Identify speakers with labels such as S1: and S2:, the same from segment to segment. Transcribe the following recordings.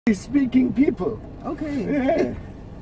S1: speaking people.
S2: Okay.
S1: Yeah.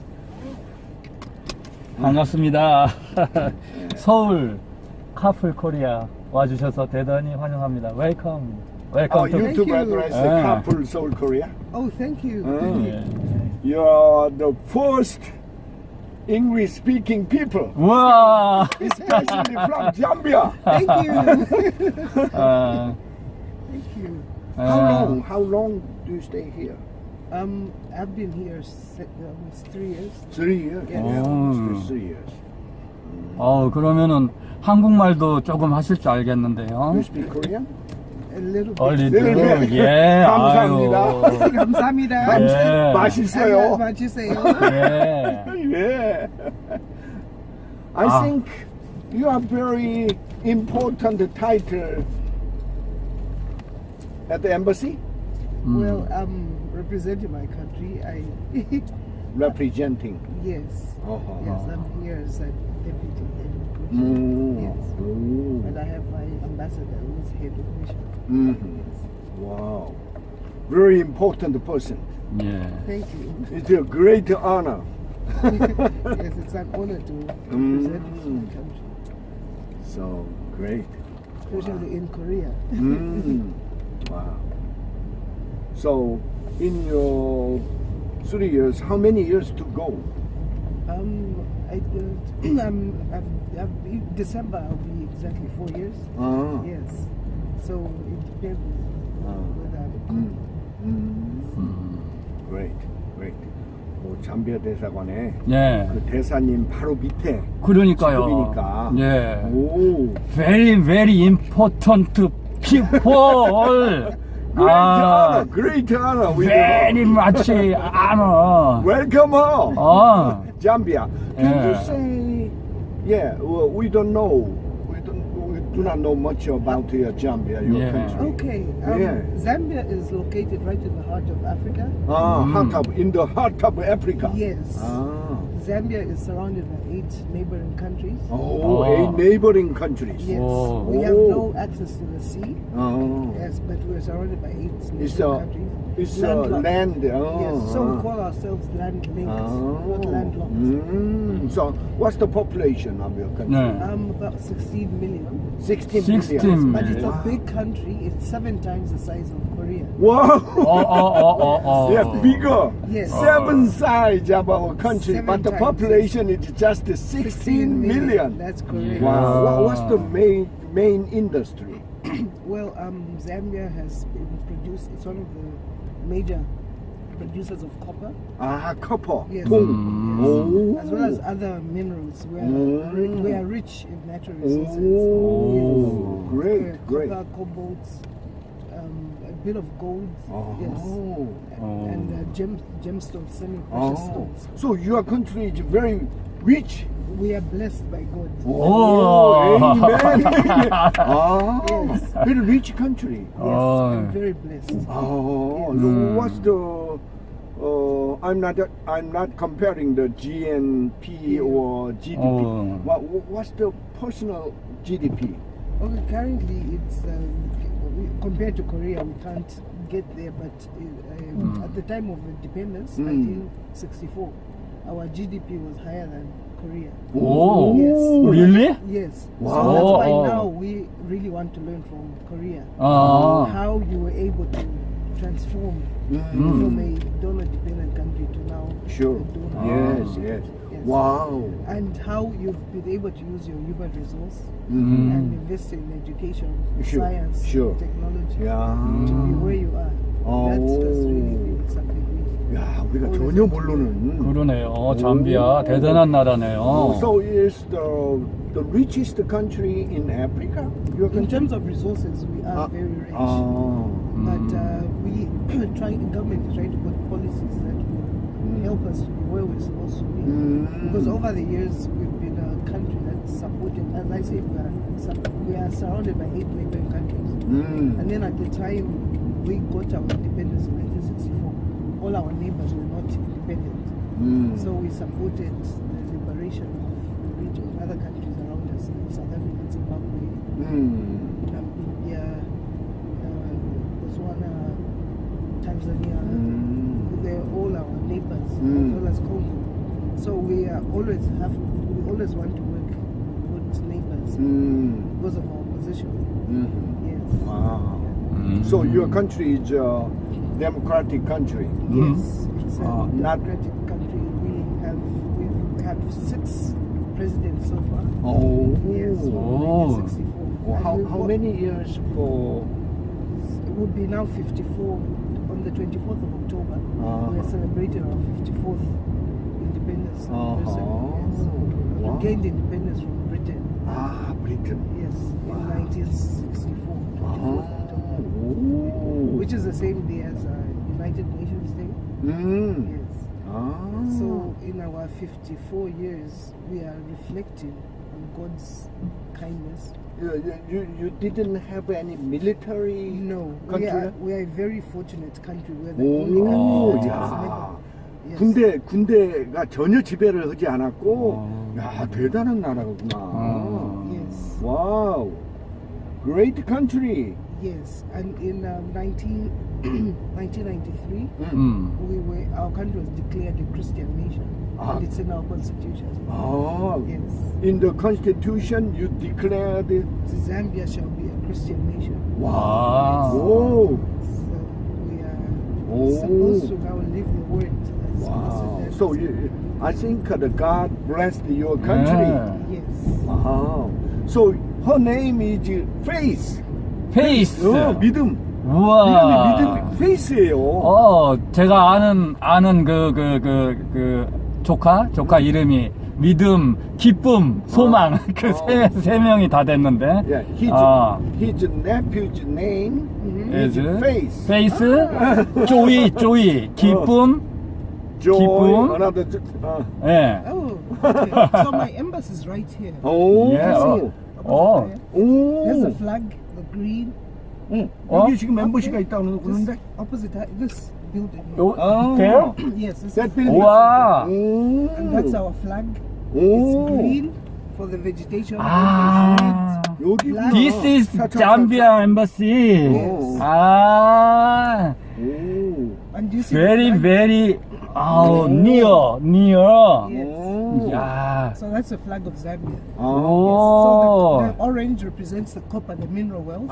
S3: 반갑습니다. 서울 카풀 코리아 와주셔서 대단히 환영합니다. 웰컴. 웰컴
S1: Our
S3: 투.
S1: YouTube
S2: you.
S1: address, the
S3: Ah.
S1: Carpool Seoul Korea.
S2: Oh, thank you.
S3: 예.
S1: You're the first English speaking people,
S3: 우와.
S1: especially from Zambia.
S2: Thank you.
S3: 아,
S2: Thank you.
S1: How long do you stay here?
S2: I've been here almost 3 years.
S1: 3 years.
S2: Yes.
S1: Yeah, almost 3 years.
S3: 그러면은 한국말도 조금 하실 줄 알겠는데요.
S1: You speak Korean?
S2: A little bit.
S3: 얼리도
S1: 네.
S3: 예.
S1: 감사합니다.
S3: 아유.
S2: 감사합니다.
S3: 예.
S1: 맛있어요.
S2: 맛있어요.
S3: 예.
S1: Yeah. I
S3: Ah.
S1: think you are very important title at the embassy,
S2: Well, representing my country,
S1: representing.
S2: yes.
S1: Uh-huh.
S2: Yes, I'm here as a deputy head of mission.
S1: Mm.
S2: Yes.
S1: Mm.
S2: And I have my ambassador who is head of mission.
S1: Mhm.
S2: Yes.
S1: Wow. Very important person.
S3: 예.
S2: Thank you.
S1: It's a great honor.
S2: Yes, it's an honor to represent my country,
S1: So great.
S2: especially in Korea.
S1: Wow. So in your 3 years, how many years to go?
S2: December I'll be exactly 4 years.
S1: Ah.
S2: Yes. So it depends whether
S1: Great, great. 잠비아 대사관에
S3: 예.
S1: 그 대사님 바로 밑에
S3: 그러니까요.
S1: 직급이니까.
S3: 예.
S1: 오.
S3: Very very important people.
S1: Great honor. We
S3: very much honor.
S1: welcome her. Zambia. Can
S3: Yeah.
S1: you say? Yeah, well, we don't know. We do not know much about Zambia, your
S3: Yeah.
S1: country.
S2: Okay.
S1: Yeah.
S2: Zambia is located right in the heart of Africa.
S1: In the heart of Africa.
S2: Yes.
S1: Ah.
S2: Zambia is surrounded by 8 neighboring countries.
S1: Oh,
S3: Oh.
S1: 8 neighboring countries.
S2: Yes.
S3: Oh.
S2: We have
S1: Oh.
S2: no access to the sea.
S1: Oh.
S2: Yes, but we're surrounded by 8
S1: It's
S2: neighboring
S1: a,
S2: countries.
S1: it's
S2: Landlocked.
S1: land. Oh.
S2: Yes, so we call ourselves land-linked, not landlocked.
S1: So, what's the population of your country?
S3: 네.
S2: About 16 million.
S1: 16
S3: 16
S1: million.
S2: But it's a
S3: Wow.
S2: big country. It's 7 times the size of Korea.
S1: Wow! They're bigger.
S2: Yes.
S1: 7 size of our country,
S2: 7
S1: but the
S2: times.
S1: population is just 16 million.
S2: That's correct.
S1: Wow. What's the main industry?
S2: Well, Zambia has been it's one of the major producers of copper,
S1: Copper.
S2: Yes.
S1: Oh.
S2: as well as other minerals. We are rich in natural resources.
S1: Oh,
S2: Yes.
S1: great, great.
S2: Copper, cobalt, a bit of gold, yes,
S1: Oh.
S2: and gemstones, semi-precious
S1: Oh.
S2: stones.
S1: So your country is very rich.
S2: We are blessed by God.
S1: Oh, amen.
S2: Yes.
S1: Very rich country.
S2: Yes,
S3: Oh.
S2: I'm very blessed.
S1: Oh,
S2: Yes.
S1: so what's the? I'm not comparing the GNP or GDP.
S3: Oh.
S1: What's the personal GDP?
S2: Okay, currently it's compared to Korea, we can't get there, but at the time of independence, 1964, our GDP was higher than Korea.
S3: 오,
S2: Yes.
S3: really?
S2: Yes.
S1: Wow.
S2: So that's why
S3: Oh.
S2: now we really want to learn from Korea
S3: 아,
S2: how you were able to transform from a donor-dependent country to now
S1: Sure.
S2: a donor.
S1: Yes, yes.
S2: Yes.
S1: Wow.
S2: And how you've been able to use your human resource
S3: 음.
S2: and invest in education,
S1: Sure,
S2: science,
S1: sure.
S2: technology
S1: Yeah.
S2: to be where you are. That's really been something we.
S1: 야, 우리가 전혀 모르는.
S3: 그러네요. 잠비아 대단한 나라네요.
S1: So is the richest country in Africa? Your
S2: In
S1: country?
S2: terms of resources, we are very rich. But we the government is trying to put policies that will help us to be where we're supposed to be. Because over the years, we've been a country that's supported, as I said, we are surrounded by 8 neighboring countries. And then at the time we got our independence in 1964, all our neighbors were not independent. So we supported the liberation of the region, other countries around us, like South Africa, Zimbabwe, India, Botswana, Tanzania. as Congo. So we always want to work with neighbors because of our position. Yes.
S1: Wow.
S3: Mm.
S1: So your country is a democratic country.
S2: Yes, it's a
S1: not-
S2: democratic country. We've had 6 presidents so far.
S1: Oh.
S2: Yes, from
S3: Oh.
S2: 1964.
S1: Well,
S2: And
S1: how many years for?
S2: It would be now 54 on the 24th of October. We are celebrating our 54th independence anniversary. Yes.
S1: Wow.
S2: We gained independence from Britain.
S1: Britain.
S2: Yes, in 1964. 24th of October.
S1: Oh.
S2: Which is the same day as United Nations Day. Yes. So in our 54 years, we are reflecting on God's kindness.
S1: You didn't have any military
S2: No,
S1: country?
S2: we are a very fortunate country. We are the only
S1: 오,
S2: country that has
S1: 야.
S2: never. Yes.
S1: 군대가 전혀 지배를 하지 않았고, 야, 대단한 나라구나.
S2: Yes.
S1: Wow. Great country.
S2: Yes, and in 1993, our country was declared a Christian nation, and it's in our constitution.
S1: Oh.
S2: Yes,
S1: In the constitution, you declared it.
S2: Zambia shall be a Christian nation.
S3: Wow.
S1: Oh.
S2: So we
S1: Oh.
S2: are supposed to now live the word. As
S1: Wow.
S2: Pastor
S1: So
S2: said.
S1: I think the God blessed your country.
S3: Yeah.
S2: Yes.
S1: Wow. So her name is Faith.
S3: 페이스.
S1: 믿음.
S3: 우와.
S1: 믿음 페이스예요.
S3: 제가 아는 그 조카 이름이 믿음, 기쁨, 소망 그 세 명이 다 됐는데.
S1: Yeah, his nephew's name is Faith.
S3: 페이스, 조이, 기쁨,
S1: Joy.
S3: 기쁨.
S1: Another.
S3: 예.
S2: Oh, okay. So my embassy is right here.
S1: 오.
S3: Yeah.
S2: Up there.
S1: 오.
S2: There's the flag, the green.
S1: 여기 지금 멤버시가 있다고 그러는데.
S2: Opposite this building. Here.
S3: 돼요?
S2: Yes, this
S1: That
S2: is,
S1: building.
S3: 우와.
S1: 오.
S2: and that's our flag. It's
S1: 오.
S2: green for the vegetation.
S3: 아.
S1: 여기구나.
S3: This is Zambia embassy.
S1: Yes.
S3: 아.
S1: 오.
S2: And do you see
S3: Very
S2: the flag?
S3: very near.
S2: Yes.
S1: 오.
S3: 야.
S2: So that's the flag of Zambia.
S1: 아.
S3: 오.
S2: So the orange represents the copper, the mineral wealth.